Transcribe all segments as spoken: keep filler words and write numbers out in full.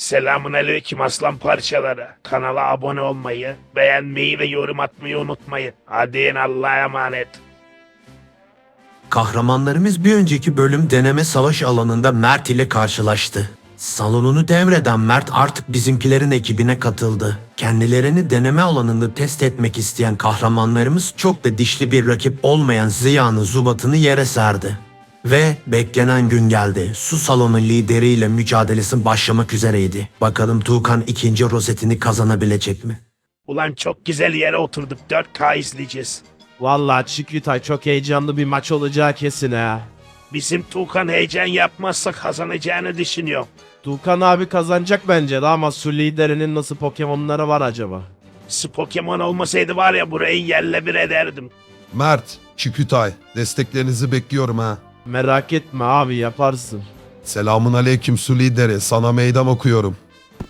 Selamun aleyküm aslan parçaları. Kanala abone olmayı, beğenmeyi ve yorum atmayı unutmayın. Hadi Allah'a emanet. Kahramanlarımız bir önceki bölüm deneme savaş alanında Mert ile karşılaştı. Salonunu devreden Mert artık bizimkilerin ekibine katıldı. Kendilerini deneme alanında test etmek isteyen kahramanlarımız çok da dişli bir rakip olmayan Ziya'nın Zubat'ını yere serdi. Ve beklenen gün geldi. Su salonu lideriyle mücadelesi başlamak üzereydi. Bakalım Tuğkan ikinci rozetini kazanabilecek mi? Ulan çok güzel yere oturduk. dört K izleyeceğiz. Vallahi Çikritay çok heyecanlı bir maç olacak kesin ha. Bizim Tuğkan heyecan yapmazsa kazanacağını düşünüyorum. Tuğkan abi kazanacak bence de ama su liderinin nasıl Pokemon'ları var acaba? Su Pokemon olmasaydı var ya burayı yerle bir ederdim. Mert, Çikütay, desteklerinizi bekliyorum ha. Merak etme abi yaparsın. Selamun aleyküm su lideri, sana meydan okuyorum.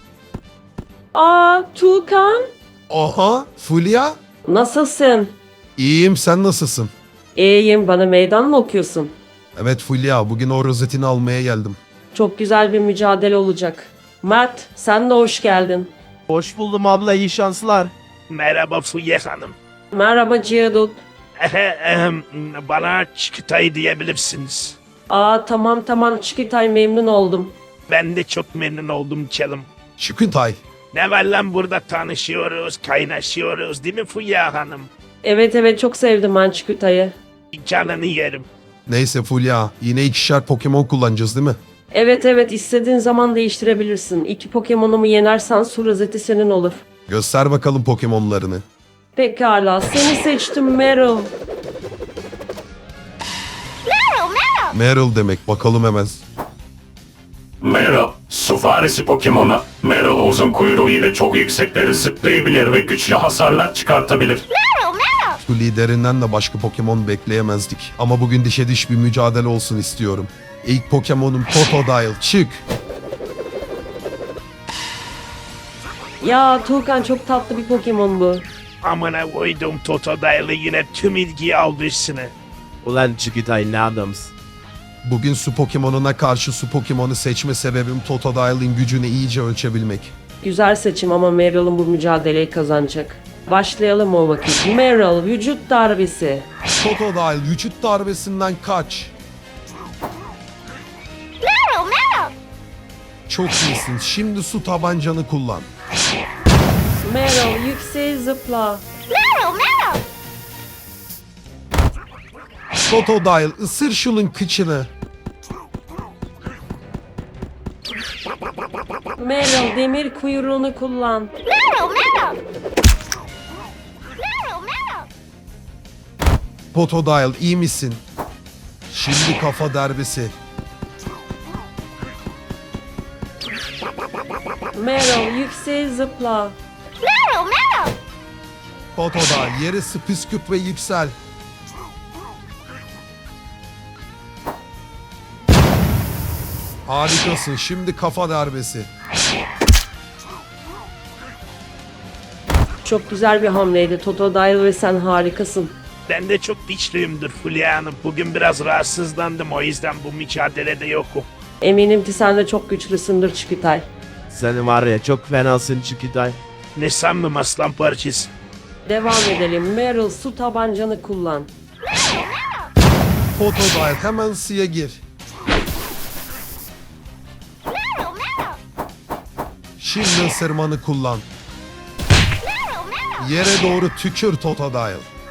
Aa Tuğkan, Aha, Fulya. nasılsın? İyiyim, sen nasılsın? İyiyim, bana meydan mı okuyorsun? Evet Fulya, bugün o rozetini almaya geldim. Çok güzel bir mücadele olacak. Mert, sen de hoş geldin. Hoş buldum abla, iyi şanslar. Merhaba Fulya Hanım. Merhaba Cihadut. Ehem, Bana Çikitay diyebilirsiniz. Aa tamam tamam Çikitay, memnun oldum. Ben de çok memnun oldum Çalım. Çikütay, Ne var lan burada tanışıyoruz, kaynaşıyoruz değil mi Fulya Hanım? Evet evet, çok sevdim ben Çikitay'ı. Canını yerim. neyse Fulya, yine ikişer Pokemon kullanacağız değil mi? Evet evet, istediğin zaman değiştirebilirsin. İki Pokemon'umu yenersen su rozeti senin olur. Göster bakalım Pokemon'larını. Pekala, seni seçtim Meryl. Meryl demek, bakalım hemen. Meryl, su faresi Pokemon'a. Meryl uzun kuyruğu ile çok yüksekleri zıplayabilir ve güçlü hasarlar çıkartabilir. Su liderinden de başka Pokemon bekleyemezdik. Ama bugün dişe diş bir mücadele olsun istiyorum. İlk Pokemon'um Totodile, çık! Ya Tuğkan, çok tatlı bir Pokemon bu. Amına koydum Totodile yine tüm ilgiyi aldı üstüne. Ulan Çikritay ne adamsın. Bugün su Pokemon'una karşı su Pokemon'u seçme sebebim Totodile'in gücünü iyice ölçebilmek. Güzel seçim ama Meryl'ın bu mücadeleyi kazanacak. Başlayalım o vakit. Meryl, vücut darbesi. Totodile vücut darbesinden kaç. Çok iyisin. Şimdi su tabancanı kullan. Meryl, yükseğe zıpla. Totodile ısır şunun kıçını. Meryl, demir kuyruğunu kullan. Totodile iyi misin? Şimdi kafa darbesi. Meryl, yükseğe zıpla. Totodile yere püskürt ve yüksel. Harikasın. Şimdi kafa darbesi. Çok güzel bir hamleydi Totodile ve sen harikasın. Ben de çok dişliyimdir Fulya Hanım. Bugün biraz rahatsızlandım o yüzden bu mücadelede yokum. Eminim ki sen de çok güçlüsündür Çikitay. Sen var ya çok fenasın Çikritay. Ne sandım aslan parçası. Devam edelim. Meryl, su tabancanı kullan. Totodile hemen suya gir. Şimdi ısırmanı kullan. Yere doğru tükür Totodile.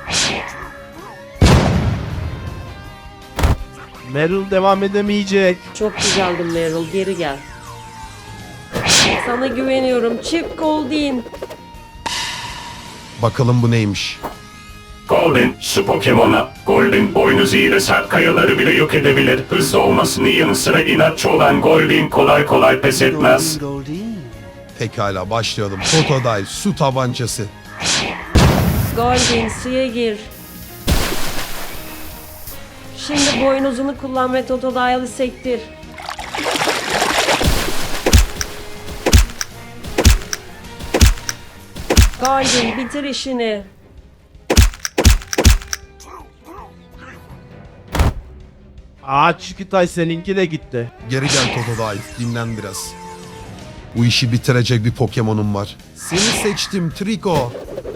Meryl devam edemeyecek. Çok güzeldin Meryl, geri gel. Sana güveniyorum. Chip Goldeen. Bakalım bu neymiş? Golden, su Pokemon'a. Golden boynuzu ile sert kayaları bile yok edebilir. Hızlı olmasının yanı sıra inatçı olan Golden kolay kolay pes etmez. Pekala başlayalım. Totodile su tabancası. Goldeen, suya gir. Şimdi boynuzunu kullan ve Totodile'ı sektir. Goldeen, bitir işini. Aa Çikritay seninki de gitti. Geri gel Totodile. Dinlen biraz. Bu işi bitirecek bir Pokemon'um var. Seni seçtim Trico.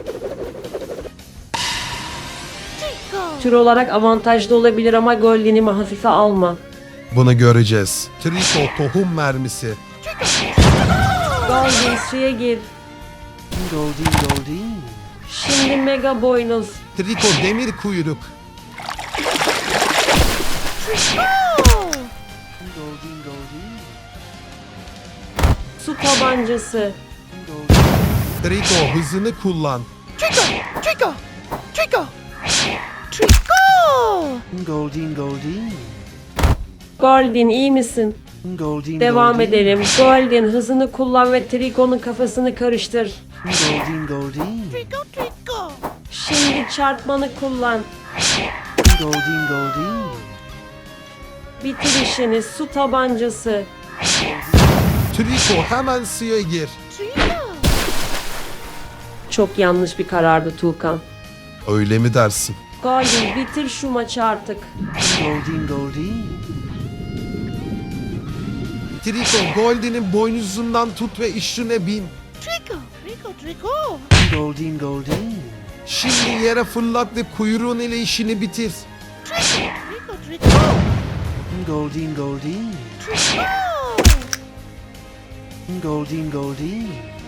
Tür olarak avantajlı olabilir ama Goldin'imi hafife alma. Bunu göreceğiz. Trico tohum mermisi. Goldin suya gir. Goldin Goldin. Şimdi mega boynuz. Trico demir kuyruk. Goldin Goldin. Su tabancası. Trico hızını kullan. Goldin Goldin. Goldin iyi misin? Goldin Devam Goldin. edelim. Goldin hızını kullan ve Trico'nun kafasını karıştır. Goldin Goldin. Şimdi çarpmanı kullan. Goldin Goldin. Bitir işini. Su tabancası. Trico hemen suya gir. Çok yanlış bir karardı Tuğkan. Öyle mi dersin? Goldin bitir şu maçı artık. Goldin Goldin. Trico Goldin'in boynuzundan tut ve üstüne bin. Goldin Goldin. Şimdi yere fırlat ve kuyruğun ile işini bitir. Goldin Goldin. Goldin Goldin.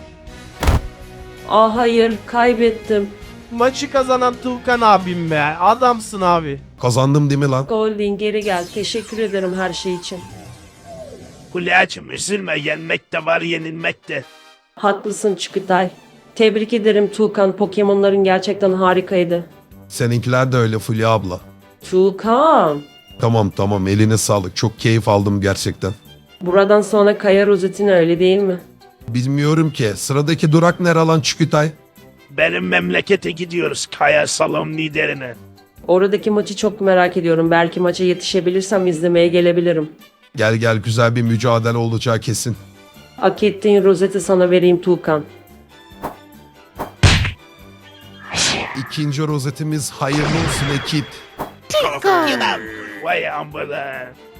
Ah hayır kaybettim. Maçı kazanan Tuğkan abim be. Adamsın abi. Kazandım değil mi lan? Goldin geri gel. Teşekkür ederim her şey için. Hülya'cığım üzülme, yenmek de var yenilmek de. Haklısın Çikitay. Tebrik ederim Tuğkan. Pokemon'ların gerçekten harikaydı. Seninkiler de öyle Fulya abla. Tuğkan. Tamam tamam eline sağlık. Çok keyif aldım gerçekten. Buradan sonra Kaya rozetin öyle değil mi? Bilmiyorum ki. Sıradaki durak nere lan Çükütay? Benim memlekete gidiyoruz Kaya Salon liderine. Oradaki maçı çok merak ediyorum. Belki maça yetişebilirsem izlemeye gelebilirim. Gel gel güzel bir mücadele olacağı kesin. Hak ettiğin rozeti sana vereyim Tuğkan. İkinci rozetimiz hayırlı olsun ekip. Vay ambulans.